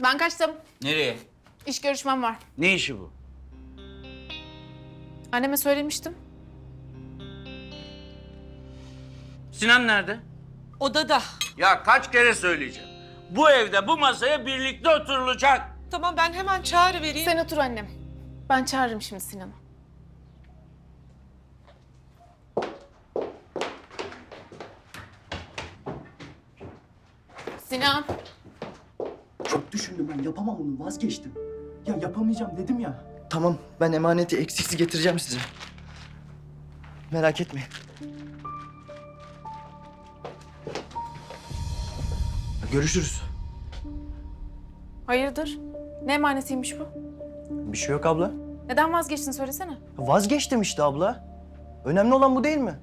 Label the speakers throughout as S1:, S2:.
S1: Ben kaçtım.
S2: Nereye?
S1: İş görüşmem var.
S2: Ne işi bu?
S1: Anneme söylemiştim.
S2: Sinan nerede?
S3: Odada.
S2: Ya kaç kere söyleyeceğim. Bu evde bu masaya birlikte oturulacak.
S3: Tamam ben hemen çağrı vereyim.
S1: Sen otur annem. Ben çağırırım şimdi Sinan'ı. Sinan.
S4: Çok düşündüm ben yapamam bunu vazgeçtim. Ya yapamayacağım dedim ya. Tamam ben emaneti eksiksiz getireceğim size. Merak etmeyin. Görüşürüz.
S1: Hayırdır? Ne emanetiymiş bu?
S4: Bir şey yok abla.
S1: Neden vazgeçtin söylesene.
S4: Vazgeçtim işte abla. Önemli olan bu değil mi?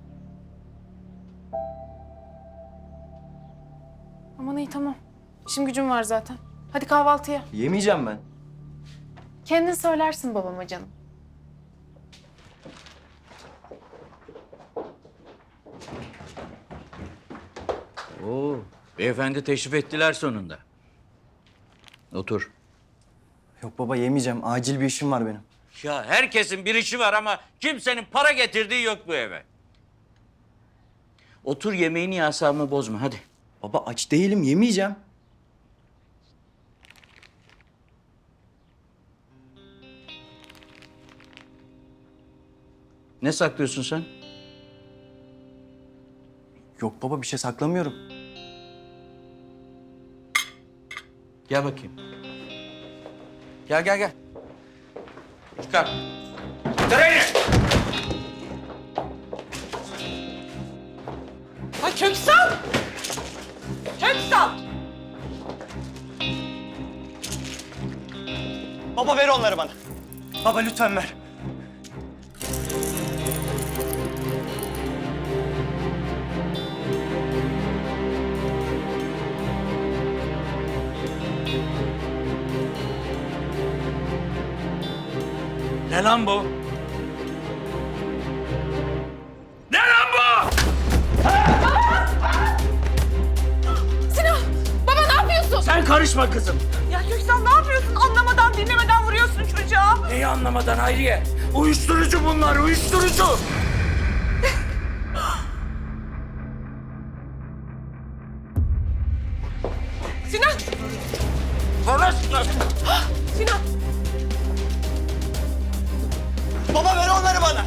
S1: Aman iyi tamam. İşim gücüm var zaten. Hadi kahvaltıya.
S4: Yemeyeceğim ben.
S1: Kendin söylersin babama canım.
S2: Oo, beyefendi teşrif ettiler sonunda. Otur.
S4: Yok baba yemeyeceğim. Acil bir işim var benim.
S2: Ya herkesin bir işi var ama kimsenin para getirdiği yok bu eve. Otur yemeğini asabımı bozma hadi.
S4: Baba aç değilim yemeyeceğim.
S2: Ne saklıyorsun sen?
S4: Yok baba bir şey saklamıyorum.
S2: Gel bakayım. Gel. Çıkar. Çıkar elini.
S3: Ha Köksal! Köksal!
S4: Baba ver onları bana. Baba lütfen ver.
S2: Ne lan bu? Ne lan bu?
S1: Sinan! Baba ne yapıyorsun?
S2: Sen karışma kızım.
S3: Ya Köksal ne yapıyorsun? Anlamadan dinlemeden vuruyorsun çocuğa.
S2: Neyi anlamadan Hayriye? Uyuşturucu bunlar, uyuşturucu.
S3: Sinan!
S2: Konuşma.
S3: Sinan!
S4: Baba ver onları bana.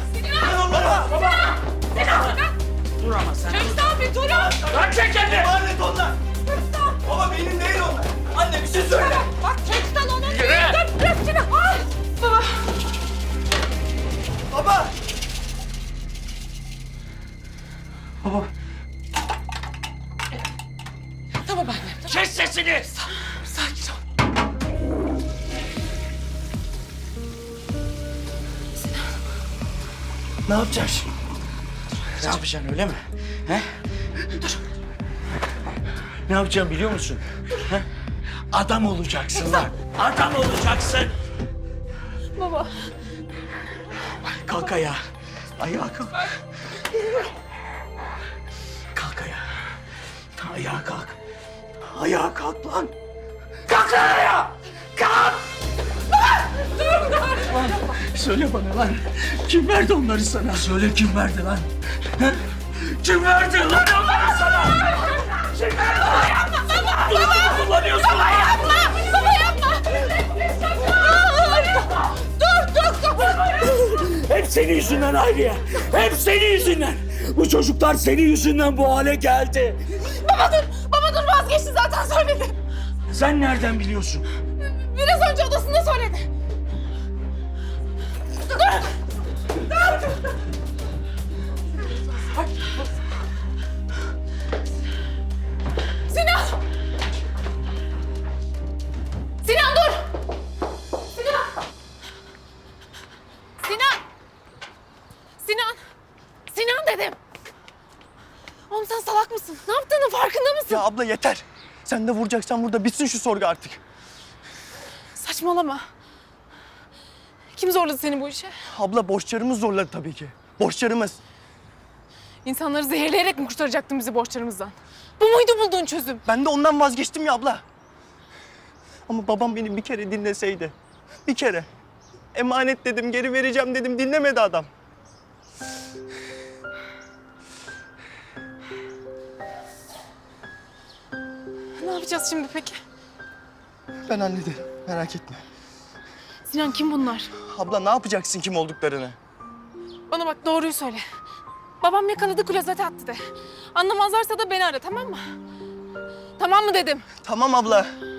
S2: Dur ama sen.
S3: Köksal bir durun!
S2: Lan çek elini.
S4: Emanet onlar. Baba benim değil onlar. Anne bir şey söyle.
S3: Bak Köksal onun
S2: Yürü.
S3: değil. Dur bırak Sinan! Ay! Baba!
S4: Baba. Baba.
S3: Tamam annem. Tamam.
S2: Kes sesini.
S3: Sakin ol.
S4: Ne yapacağız şimdi?
S2: Ne yapacaksın öyle mi? He? Dur. Ne yapacağım biliyor musun? He? Adam olacaksın lan. Adam olacaksın.
S1: Baba.
S2: Kalk ayağa. Ayağa kalk. Kalk ayağa. Ayağa kalk. Ayağa kalk lan. Kalk lan ayağa. Kalk. Lan, söyle bana lan. Kim verdi onları sana? Söyle kim verdi lan? He? Kim verdi lan onları sana? Kim verdi? Baba yapma baba. Baba. Kullanıyorsun. Baba yapma.
S1: Baba yapma!
S2: Hep senin yüzünden Hayriye. Hep senin yüzünden. Bu çocuklar senin yüzünden bu hale geldi.
S1: Baba dur vazgeçti zaten söyledi.
S2: Sen nereden biliyorsun?
S1: Biraz önce odasında söyledi. Sinan! Sinan dur! Sinan! Sinan! Sinan! Sinan dedim! Oğlum sen salak mısın? Ne yaptığının farkında mısın?
S4: Ya abla yeter. Sen de vuracaksan burada bitsin şu sorgu artık.
S1: Saçmalama. Kim zorladı seni bu işe?
S4: Abla borçlarımız zorladı tabii ki. Borçlarımız.
S1: İnsanları zehirleyerek mi kurtaracaktın bizi borçlarımızdan? Bu muydu bulduğun çözüm?
S4: Ben de ondan vazgeçtim ya abla.
S5: Ama babam beni bir kere dinleseydi. Bir kere. Emanet dedim, geri vereceğim dedim. Dinlemedi adam.
S1: Ne yapacağız şimdi peki?
S5: Ben hallederim. Merak etme.
S1: Sinan kim bunlar?
S5: Abla ne yapacaksın kim olduklarını?
S1: Bana bak doğruyu söyle. Babam yakaladı klozete attı de. Anlamazlarsa da beni ara tamam mı? Tamam mı dedim.
S5: Tamam abla.